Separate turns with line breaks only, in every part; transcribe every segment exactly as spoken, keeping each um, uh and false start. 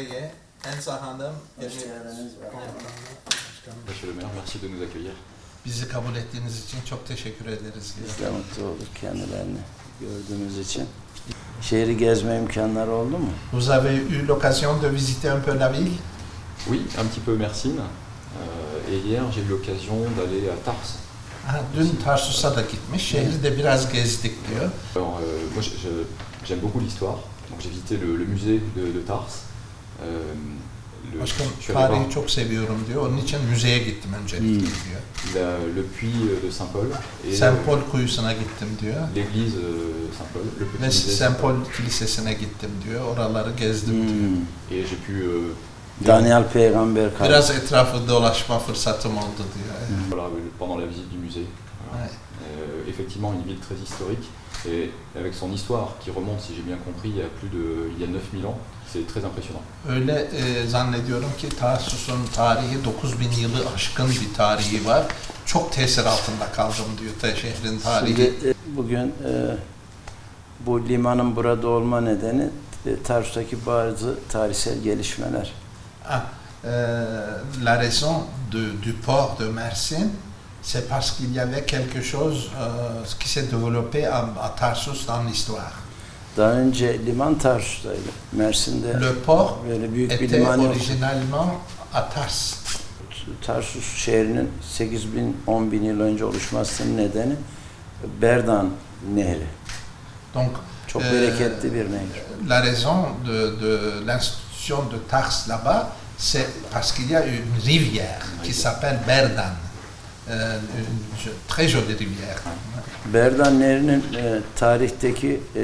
Bey'e, Ensa Hanım,
Hoş geldiniz.
Monsieur le maire, merci de nous accueillir.
bizi kabul ettiğiniz için çok teşekkür ederiz.
Biz de mutlu olduk kendilerini gördüğümüz için. Şehri gezme imkanları oldu mu?
Vous avez eu l'occasion de visiter un peu la ville?
Oui, un petit peu Mersin. Euh, et hier, j'ai eu l'occasion d'aller à Tars.
Ha, dün Tarsus'a da gitmiş, şehri de biraz gezdik diyor.
Alors, euh, moi, je- je- j'aime beaucoup l'histoire. Donc, j'ai visité le, le musée de, de Tars. Euh, le,
Başka
je suis allé
tarihi
voir
çok seviyorum diyor, onun için müzeye gittim öncelikle
Hmm.
diyor.
la- le puits de Saint-Paul et
Saint Paul kuyusuna gittim diyor.
l'église euh, Saint-Paul, le petit
Ve
musée
Saint Paul Kilisesi'ne gittim diyor, oraları gezdim diyor.
Hmm.
Et j'ai pu euh,
Daniel Peygamber kaldı.
Biraz etrafı dolaşma fırsatım oldu diyor.
voilà, pendant la visite du musée. Voilà.
Ouais.
Euh, effectivement, une ville très historique et avec son histoire qui remonte, si j'ai bien compris, il y a plus de, il y a neuf mille ans. C'est très impressionnant.
Öyle e, zannediyorum ki Tarsus'un tarihi dokuz bin yılı aşkın bir tarihi var. Çok tesir altında kaldım diyor da şehrin tarihi.
Şimdi e, bugün e, bu limanın burada olma nedeni e, Tarsus'taki bazı tarihsel gelişmeler.
Ah, euh, la raison de, du port de Mersin, c'est parce qu'il y avait quelque chose euh, qui s'est développé à, à Tarsus dans l'histoire.
Daha önce liman Tarsus'taydı. Mersin'de
Le port
böyle büyük bir
était
liman yok.
originalement à Tars.
Tarsus şehrinin sekiz bin on bin yıl önce oluşmasının nedeni Berdan Nehri.
Donc,
Çok
euh,
bereketli bir nehir.
la raison de, de l'institution de Tars là-bas, c'est parce qu'il y a une rivière qui s'appelle Berdan. Euh, une jo- très jolie rivière.
Berdan Nehri'nin e, tarihteki e,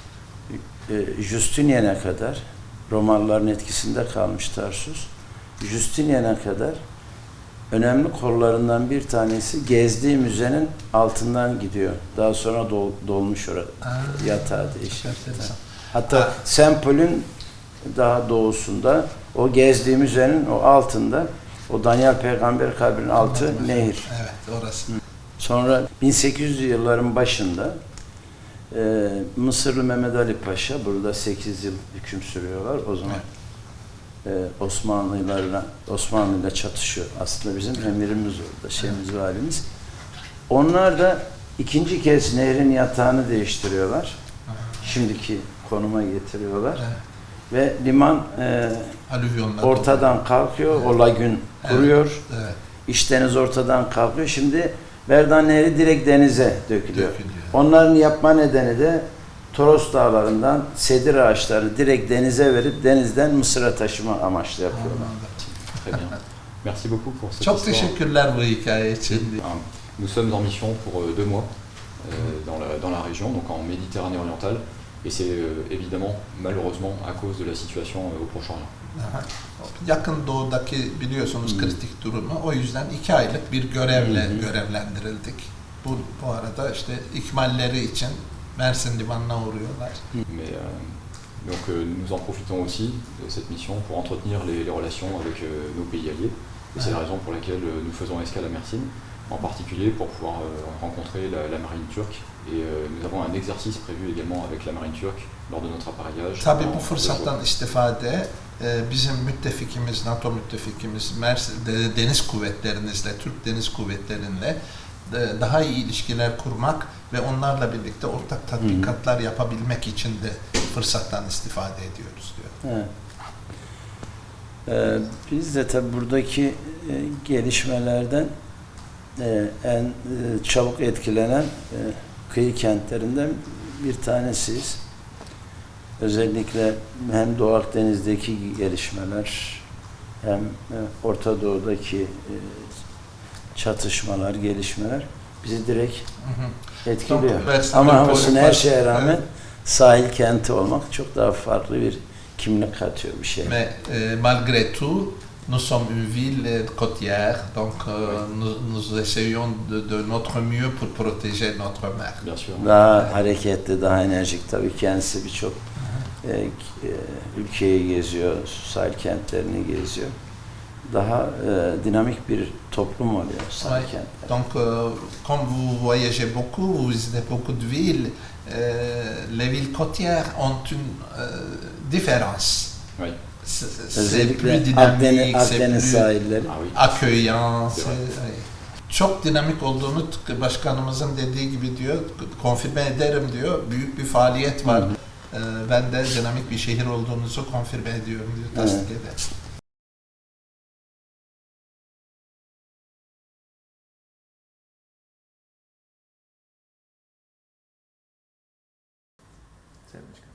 e, Justinian'e kadar Romalıların etkisinde kalmış Tarsus. Justinian'e kadar önemli kollarından bir tanesi gezdiği müzenin altından gidiyor. Daha sonra dol, dolmuş orada.
Ah,
Yatağı değişik.
çok enteresan.
Hatta
Ah.
Saint Paul'ün daha doğusunda o gezdiği müzenin o altında o Daniel Peygamber kabrinin altı nehir.
Evet, orası.
Sonra bin sekiz yüzlü yılların başında e, Mısırlı Mehmet Ali Paşa burada sekiz yıl hüküm sürüyorlar. O zaman e, Osmanlılarla Osmanlı'yla çatışıyor. Aslında bizim emirimiz orada, şeyimiz, valimiz. Onlar da ikinci kez nehrin yatağını değiştiriyorlar. Şimdiki konuma getiriyorlar.
Evet.
Ve liman e,
Alüvyonlar.
ortadan kalkıyor, o lagün kuruyor.
Evet,
İç deniz ortadan kalkıyor. Şimdi Berdan Nehri direkt denize dökülüyor.
dökülüyor.
Onların yapma nedeni de Toros dağlarından sedir ağaçları direkt denize verip denizden Mısır'a taşıma amaçlı yapıyorlar.
Anladım.
Très bien. Merci beaucoup pour cette
Çok
histoire.
teşekkürler bu hikaye için.
Un- Nous sommes en mission pour euh, deux mois euh, dans, la, dans la région, donc en Méditerranée orientale, et c'est euh, évidemment, malheureusement, à cause de la situation euh, au Proche-Orient.
Aha. Yakın doğudaki biliyorsunuz
Hmm.
kritik durumu. O yüzden iki aylık bir görevle
Hı hı.
görevlendirildik. Bu, bu arada işte ikmalleri için Mersin limanına uğruyorlar.
Mais euh, donc euh, nous en profitons aussi de cette mission pour entretenir les, les relations avec euh, nos pays alliés, et c'est la raison pour laquelle euh, nous faisons escale à Mersin, en particulier pour pouvoir euh, rencontrer la, la marine turque, et euh, nous avons un exercice prévu également avec la marine turque lors de notre appareillage.
Tabii
en-
bu
en deux
fırsattan
jours.
istifade e, bizim müttefikimiz, NATO müttefikimiz Mersin de- deniz kuvvetlerinizle, Türk deniz kuvvetlerinle e, daha iyi ilişkiler kurmak ve onlarla birlikte ortak tatbikatlar yapabilmek için de fırsattan istifade ediyoruz diyor.
Evet. Ee, biz de tabi buradaki e, gelişmelerden e, en e, çabuk etkilenen e, kıyı kentlerinden bir tanesiyiz. Özellikle hem Doğu Akdeniz'deki gelişmeler hem e, Orta Doğu'daki e, çatışmalar, gelişmeler bizi direkt etkiliyor.
Donc, Mersin
Ama
Depolu
olsun her
var.
şeye rağmen
Evet.
sahil kenti olmak çok daha farklı bir kimlik katıyor bir şey.
Mais euh, malgré tout, nous sommes une ville euh, côtière, donc euh, nous, nous essayons de, de notre mieux pour protéger notre mer.
Bien sûr.
Daha hareketli, daha enerjik tabii kendisi birçok e, e, ülkeyi geziyor, sahil kentlerini geziyor. Daha e, dinamik bir toplum oluyor sahil
Ouais.
kentler.
Donc, euh, comme vous voyagez beaucoup, vous visitez beaucoup de villes, euh, les villes côtières ont une euh, différence
Oui.
C'est c'est
Özellikle
plus
Akdeniz,
dynamique, c'est
Akdeniz
plus
sahilleri.
Ah oui.
accueillant.
C'est
c'est-
vrai.
evet. Çok dinamik olduğunu tıpkı başkanımızın dediği gibi diyor, konfirme ederim diyor. Büyük bir faaliyet var.
Hı hı.
Ee, Ben de dinamik bir şehir olduğunuzu konfirme ediyorum diyor, tasdik
Evet.
eder. Sevmiş.